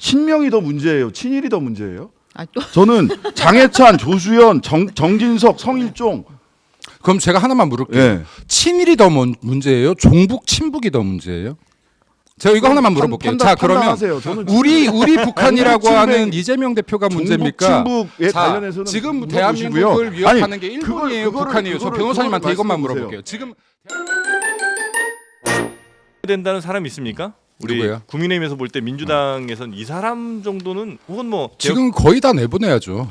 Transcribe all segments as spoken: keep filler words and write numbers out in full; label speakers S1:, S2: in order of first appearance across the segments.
S1: 친명이 더 문제예요? 친일이 더 문제예요?
S2: 아, 또.
S1: 저는 장해찬, 조수연, 정, 정진석, 성일종.
S3: 그럼 제가 하나만 물을게요.
S1: 예.
S3: 친일이 더 문- 문제예요? 종북 친북이 더 문제예요? 제가 이거 하나만 물어볼게요.
S1: 판단,
S3: 자 그러면
S1: 판단하세요. 저는
S3: 우리 우리 북한이라고
S1: 친북,
S3: 하는 이재명 대표가 문제입니까?
S1: 종북, 친북에
S3: 자,
S1: 관련해서는
S3: 지금
S1: 물어보시고요.
S3: 대한민국을 위협하는
S1: 아니,
S3: 게
S1: 그걸-
S3: 일본이에요,
S1: 그거를-
S3: 북한이에요? 저
S1: 그거를-
S3: 변호사님한테
S1: 그거를
S3: 이것만
S1: 말씀해
S3: 물어볼게요. 지금
S4: 된다는 사람이 있습니까? 우리
S3: 누구예요?
S4: 국민의힘에서 볼 때 민주당에서는 이 사람 정도는 혹은 뭐
S3: 지금 거의 다 내보내야죠.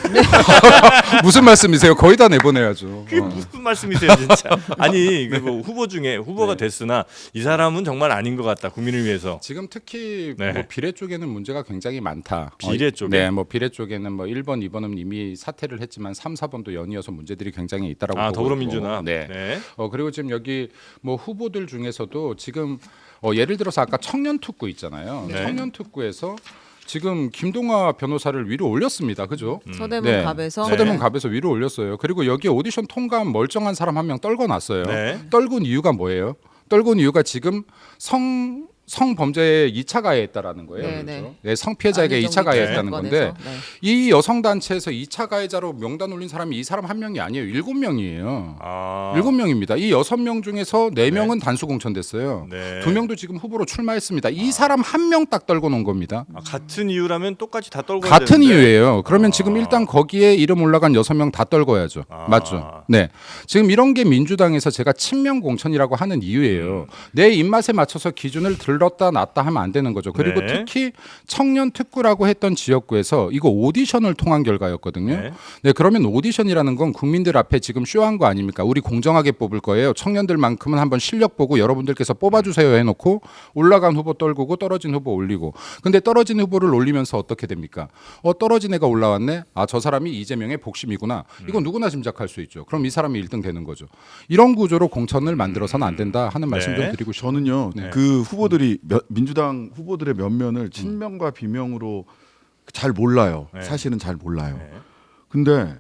S3: 무슨 말씀이세요? 거의 다 내보내야죠.
S4: 그게
S3: 어.
S4: 무슨 말씀이세요, 진짜? 아니 그리고 후보 중에 후보가
S3: 네.
S4: 됐으나 이 사람은 정말 아닌 것 같다. 국민을 위해서.
S3: 지금 특히
S4: 네.
S3: 뭐 비례 쪽에는 문제가 굉장히 많다.
S4: 비례
S3: 어,
S4: 쪽에?
S3: 네, 뭐 비례 쪽에는 뭐 일 번, 이 번은 이미 사퇴를 했지만 삼, 사 번도 연이어서 문제들이 굉장히 있다라고
S4: 아
S3: 보고
S4: 더불어민주나.
S3: 있고. 네.
S4: 네.
S3: 어 그리고 지금 여기 뭐 후보들 중에서도 지금 어 예를 들어서 아까 청년 특구 있잖아요.
S4: 네.
S3: 청년 특구에서 지금 김동화 변호사를 위로 올렸습니다. 그죠?
S2: 서대문
S3: 네.
S2: 갑에서
S3: 서대문 갑에서 위로 올렸어요. 그리고 여기 오디션 통과한 멀쩡한 사람 한 명 떨궈 놨어요.
S4: 네.
S3: 떨군 이유가 뭐예요? 떨군 이유가 지금 성 성범죄에 이 차 가해했다라는 거예요.
S2: 네,
S3: 그렇죠?
S2: 네.
S3: 네, 성피해자에게 이 차 가해했다는 건데
S2: 네.
S3: 이 여성 단체에서 이 차 가해자로 명단 올린 사람이 이 사람 한 명이 아니에요. 일곱 명이에요.
S4: 아.
S3: 일곱 명입니다. 이 여섯 명 중에서 네 명은 단수 공천됐어요.
S4: 네.
S3: 두 명도 지금 후보로 출마했습니다. 이 사람 한 명 딱 떨궈 놓은 겁니다.
S4: 아, 같은 이유라면 똑같이 다 떨고
S3: 같은
S4: 되는데.
S3: 이유예요. 그러면
S4: 아.
S3: 지금 일단 거기에 이름 올라간 여섯 명 다 떨궈야죠.
S4: 아.
S3: 맞죠? 네. 지금 이런 게 민주당에서 제가 친명 공천이라고 하는 이유예요.
S4: 음.
S3: 내 입맛에 맞춰서 기준을 들렀다 놨다 하면 안 되는 거죠. 그리고
S4: 네.
S3: 특히 청년 특구라고 했던 지역구에서 이거 오디션을 통한 결과였거든요.
S4: 네.
S3: 네. 그러면 오디션이라는 건 국민들 앞에 지금 쇼한 거 아닙니까? 우리 공정하게 뽑을 거예요. 청년들만큼은 한번 실력 보고 여러분들께서 뽑아주세요 해놓고 올라간 후보 떨구고 떨어진 후보 올리고. 근데 떨어진 후보를 올리면서 어떻게 됩니까? 어 떨어진 애가 올라왔네. 아 저 사람이 이재명의 복심이구나. 이건 누구나 짐작할 수 있죠. 그럼 이 사람이 일 등 되는 거죠. 이런 구조로 공천을 만들어서는 안 된다 하는 말씀
S4: 네.
S3: 좀 드리고 싶어요.
S1: 저는요
S3: 네.
S1: 그 후보들이 몇- 민주당 후보들의 면면을 친명과 비명으로 잘 몰라요.
S4: 네.
S1: 사실은 잘 몰라요.
S4: 네.
S1: 근데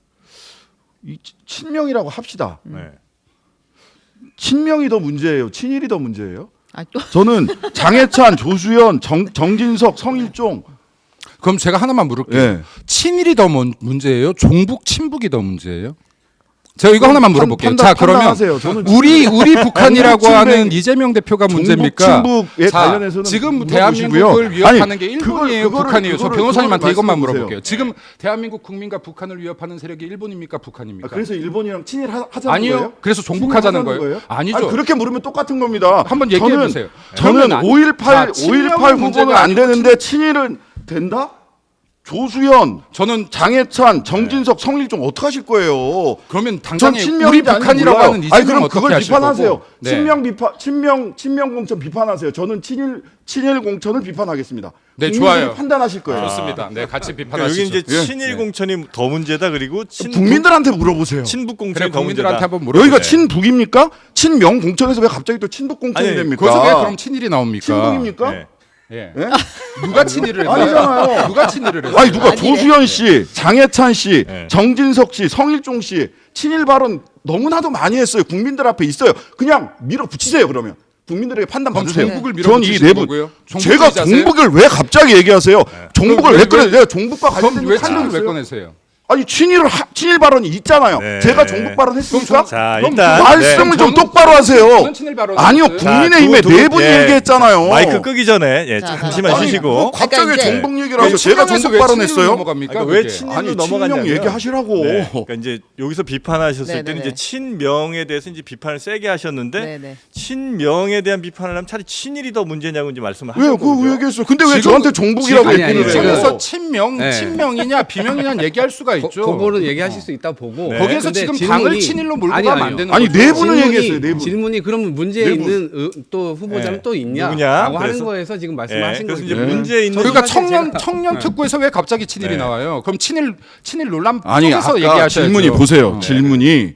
S1: 이 치- 친명이라고 합시다.
S4: 네.
S1: 친명이 더 문제예요? 친일이 더 문제예요?
S2: 아, 또.
S1: 저는 장해찬, 조수연, 정, 정진석, 성일종.
S3: 그럼 제가 하나만 물을게요.
S1: 예.
S3: 친일이 더 문- 문제예요? 종북 친북이 더 문제예요? 제가 이거 하나만
S1: 판-
S3: 물어볼게요.
S1: 판단-
S3: 자 그러면
S1: 판단하세요. 저는
S3: 우리 우리 북한이라고
S1: 친북,
S3: 하는
S1: 친북,
S3: 이재명 대표가 문제입니까?
S1: 친북에
S3: 자,
S1: 관련해서는
S3: 지금
S1: 물어보시고요.
S3: 대한민국을 위협하는
S1: 아니,
S3: 게
S1: 그걸-
S3: 일본이에요,
S1: 그거를-
S3: 북한이에요? 저
S1: 그거를-
S3: 변호사님한테
S1: 그거를
S3: 이것만
S1: 말씀해
S3: 물어볼게요. 지금 대한민국 국민과 북한을 위협하는 세력이 일본입니까, 북한입니까?
S1: 아, 그래서 일본이랑 친일 하- 하자는
S3: 아니요.
S1: 거예요?
S3: 그래서 종북하자는
S1: 친일하자는
S3: 거예요? 아니죠.
S1: 아니, 그렇게 물으면 똑같은 겁니다.
S3: 한번 얘기해
S1: 저는-
S3: 보세요.
S1: 저는
S3: 그러면
S1: 오일팔
S3: 자, 친명은
S1: 오일팔 후보는
S3: 문제가
S1: 안
S3: 아니고
S1: 되는데 친일은 된다? 조수연,
S3: 저는
S1: 장해찬, 정진석, 성일종 어떻게 하실 거예요?
S3: 그러면
S1: 전
S3: 당장에 우리
S1: 친명인지 아닌지
S3: 북한이라고
S1: 몰라요.
S3: 하는
S1: 아니
S3: 이재명
S1: 그럼
S3: 어떻게
S1: 그걸
S3: 하실
S1: 비판하세요.
S3: 거고? 네.
S1: 친명 비판, 친명 친명 공천 비판하세요. 저는 친일 친일 공천을 비판하겠습니다.
S3: 네,
S1: 국민들이
S3: 좋아요.
S1: 판단하실 거예요.
S3: 좋습니다. 네, 같이
S4: 그러니까
S3: 비판하시죠.
S4: 여기 이제
S1: 예.
S4: 친일
S3: 네.
S4: 공천이 더 문제다. 그리고 친
S1: 국민들한테 물어보세요.
S4: 친북
S3: 그래
S4: 공천이 더
S3: 국민들한테
S4: 문제다.
S3: 한번 물어보세요.
S1: 여기가 친북입니까? 친명 공천에서 왜 갑자기 또 친북 공천이
S4: 아니,
S1: 됩니까?
S3: 거기서 왜 그럼 친일이 나옵니까?
S1: 친북입니까?
S4: 네.
S3: 예.
S1: 예?
S3: 누가 친일을 했어요?
S1: 아니잖아요.
S3: 누가 친일을 했어요?
S1: 아니 누가
S2: 아니네.
S1: 조수연 씨, 장해찬 씨,
S4: 네.
S1: 정진석 씨, 성일종 씨 친일 발언 너무나도 많이 했어요. 국민들 앞에 있어요. 그냥 밀어붙이세요. 그러면 국민들에게 판단
S3: 그럼
S1: 받으세요.
S3: 종북을
S1: 전이
S3: 밀어붙이시는
S1: 내부
S3: 거고요?
S1: 제가
S3: 종북주의자세요?
S1: 종북을 왜 갑자기 얘기하세요? 종북을
S3: 그럼
S1: 왜
S3: 왜-
S1: 꺼내?
S3: 왜-
S1: 내가 종북과
S3: 그럼
S1: 관련된
S3: 왜
S1: 거
S3: 친일을 왜
S1: 있어요?
S3: 꺼내세요?
S1: 아니 친일을 하, 친일 발언이 있잖아요.
S4: 네.
S1: 제가 종북 발언 했습니까?
S4: 자,
S3: 그럼
S4: 일단
S1: 말씀을
S4: 네.
S1: 좀
S3: 저는-
S1: 똑바로 하세요.
S3: 저는 친일 발언을
S1: 아니요,
S3: 했어요.
S1: 국민의힘의
S4: 자, 두- 두-
S1: 네 분이
S4: 예.
S1: 얘기했잖아요.
S4: 마이크 끄기 전에 예,
S2: 자,
S4: 잠시만
S2: 자,
S4: 쉬시고.
S1: 뭐 갑자기
S2: 그러니까 이제-
S1: 종북 얘기를 하죠.
S3: 왜
S1: 제가
S3: 친명에서
S1: 종북
S3: 왜
S1: 발언했어요.
S3: 친일로 넘어갑니까?
S4: 그러니까 왜
S3: 그게?
S4: 친일로
S1: 아니
S4: 넘어갔냐면
S1: 친명 얘기하시라고.
S4: 네. 그러니까 이제 여기서 비판하셨을
S2: 네네네.
S4: 때는 이제 친명에 대해서 이제 비판을 세게 하셨는데
S2: 네네.
S4: 친명에 대한 비판을 하면 차라리 친일이 더 문제냐고 이제 말씀을
S1: 왜요?
S4: 하셨거든요.
S1: 그거 왜 얘기했어요? 근데 왜
S3: 지금-
S1: 저한테 종북이라고
S5: 아니,
S1: 얘기를
S5: 아니,
S1: 해요?
S3: 거기서 친명,
S5: 네.
S3: 친명이냐 비명이냐 얘기할 수가 있죠.
S5: 그 부분은 얘기하실 수 있다 보고
S4: 네.
S3: 거기에서
S5: 근데
S3: 지금
S5: 질문이-
S3: 당을 친일로 몰고
S5: 아니,
S3: 가면 안
S5: 아니요.
S3: 되는
S1: 아니,
S3: 거죠.
S1: 네 분은
S5: 질문이-
S1: 얘기했어요, 네 분.
S5: 질문이 그러면 문제
S1: 네 분.
S5: 있는 의- 또 후보자는
S4: 네.
S5: 또 있냐?
S4: 누구냐?
S5: 라고 하는
S4: 그래서-
S5: 거에서 지금
S4: 예,
S5: 말씀하신
S4: 그래서
S5: 거죠.
S4: 이제
S1: 네.
S4: 문제 있는
S3: 그러니까
S5: 사실
S3: 청년
S5: 제가-
S3: 청년
S5: 네.
S3: 특구에서 왜 갑자기 친일이
S4: 네.
S3: 나와요? 그럼 친일 친일 논란
S1: 아니
S3: 속에서
S1: 아까
S3: 얘기하셔야죠.
S1: 질문이 보세요.
S3: 네.
S1: 질문이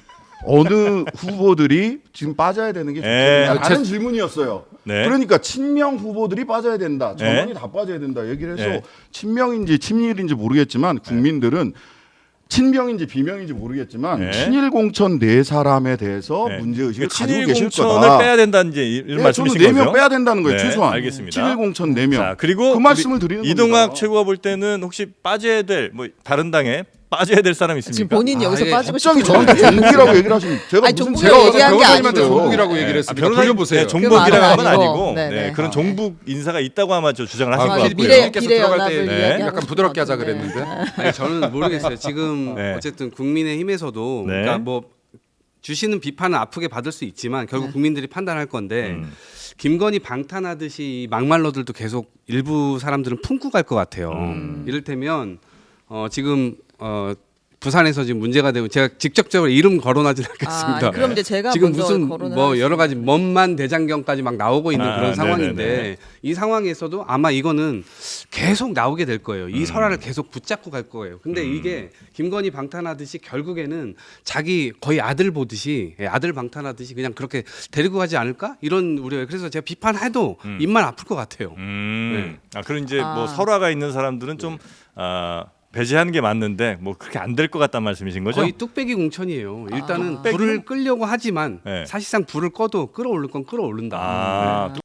S1: 어느 후보들이 지금 빠져야 되는 게
S4: 네.
S1: 좋겠냐
S3: 아,
S1: 하는
S3: 제-
S1: 질문이었어요.
S4: 네.
S1: 그러니까 친명 후보들이 빠져야 된다. 전원이
S4: 네.
S1: 다 빠져야 된다. 얘기를 해서
S4: 네.
S1: 친명인지 친일인지 모르겠지만 국민들은 친명인지 비명인지 모르겠지만
S4: 네.
S1: 친일 공천 네 사람에 대해서
S4: 네.
S1: 문제 의식을
S4: 그러니까
S1: 가지고
S4: 친일
S1: 계실
S4: 공천을
S1: 거다.
S4: 빼야 된다는 이제 이런
S1: 네,
S4: 말씀이신
S1: 저는 네
S4: 거죠?
S1: 명 빼야 된다는 거예요.
S4: 네,
S1: 최소한.
S4: 알겠습니다.
S1: 친일 공천 네 명.
S4: 자, 그리고
S1: 그 말씀을
S4: 우리
S1: 드리는
S4: 이동학
S1: 겁니다.
S4: 최고가 볼 때는 혹시 빠져야 될 뭐 다른 당에 빠져야 될 사람 있습니까?
S2: 지금 본인이
S5: 아,
S2: 여기서
S5: 예.
S2: 빠지고
S1: 갑자기
S2: 싶은
S1: 저한테
S2: 거예요.
S1: 종북이라고 얘기를 하시는 제가
S2: 아니,
S1: 무슨
S2: 종북이
S3: 제가 어제
S2: 얘기한 게
S3: 변호사님한테
S2: 아니고.
S3: 종북이라고
S4: 네.
S3: 얘기를
S4: 아,
S3: 했습니다.
S4: 변호사님
S3: 돌려보세요.
S4: 네, 종북이라고
S2: 말은
S4: 하면
S2: 아니고.
S4: 아니고
S2: 네,
S4: 네,
S2: 네.
S4: 그런
S2: 아,
S4: 종북 인사가 있다고 아마 저 주장을 하신
S3: 아,
S4: 것
S3: 그
S4: 같고요.
S2: 미래
S3: 께서
S2: 미래
S3: 들어갈
S2: 연합을
S3: 때
S4: 네.
S2: 이야기하고
S3: 약간
S2: 싶은
S3: 부드럽게
S2: 것
S3: 하자
S2: 같은데.
S3: 그랬는데.
S5: 아니, 저는 모르겠어요. 지금
S4: 네.
S5: 어쨌든 국민의힘에서도
S4: 네.
S5: 그러니까 뭐 주시는 비판은 아프게 받을 수 있지만 결국
S2: 네.
S5: 국민들이 판단할 건데
S4: 음.
S5: 김건희 방탄하듯이 이 막말로들도 계속 일부 사람들은 품고 갈 것 같아요.
S4: 음.
S5: 이를테면 어, 지금 어, 부산에서 지금 문제가 되고 제가 직접적으로 이름 거론하지는
S2: 아,
S5: 않겠습니다.
S2: 아니, 그럼 이제 제가
S5: 지금
S2: 먼저
S5: 무슨
S2: 거론을
S5: 뭐
S2: 하겠습니다.
S5: 여러 가지 먼만 대장경까지 막 나오고 있는
S4: 아,
S5: 그런 상황인데
S4: 네네네.
S5: 이 상황에서도 아마 이거는 계속 나오게 될 거예요. 이
S4: 음.
S5: 설화를 계속 붙잡고 갈 거예요. 근데
S4: 음.
S5: 이게 김건희 방탄하듯이 결국에는 자기 거의 아들 보듯이 예, 아들 방탄하듯이 그냥 그렇게 데리고 가지 않을까 이런 우려예요. 그래서 제가 비판해도
S4: 음.
S5: 입만 아플 것 같아요.
S4: 음. 아, 그럼 이제
S2: 아.
S4: 뭐 설화가 있는 사람들은 좀 아, 배제하는 게 맞는데 뭐 그렇게 안 될 것 같다는 말씀이신 거죠?
S5: 거의 뚝배기 공천이에요. 일단은
S2: 아.
S5: 불을 끌려고 하지만
S4: 네.
S5: 사실상 불을 꺼도 끌어올릴 건 끌어올른다.
S4: 아,
S2: 네.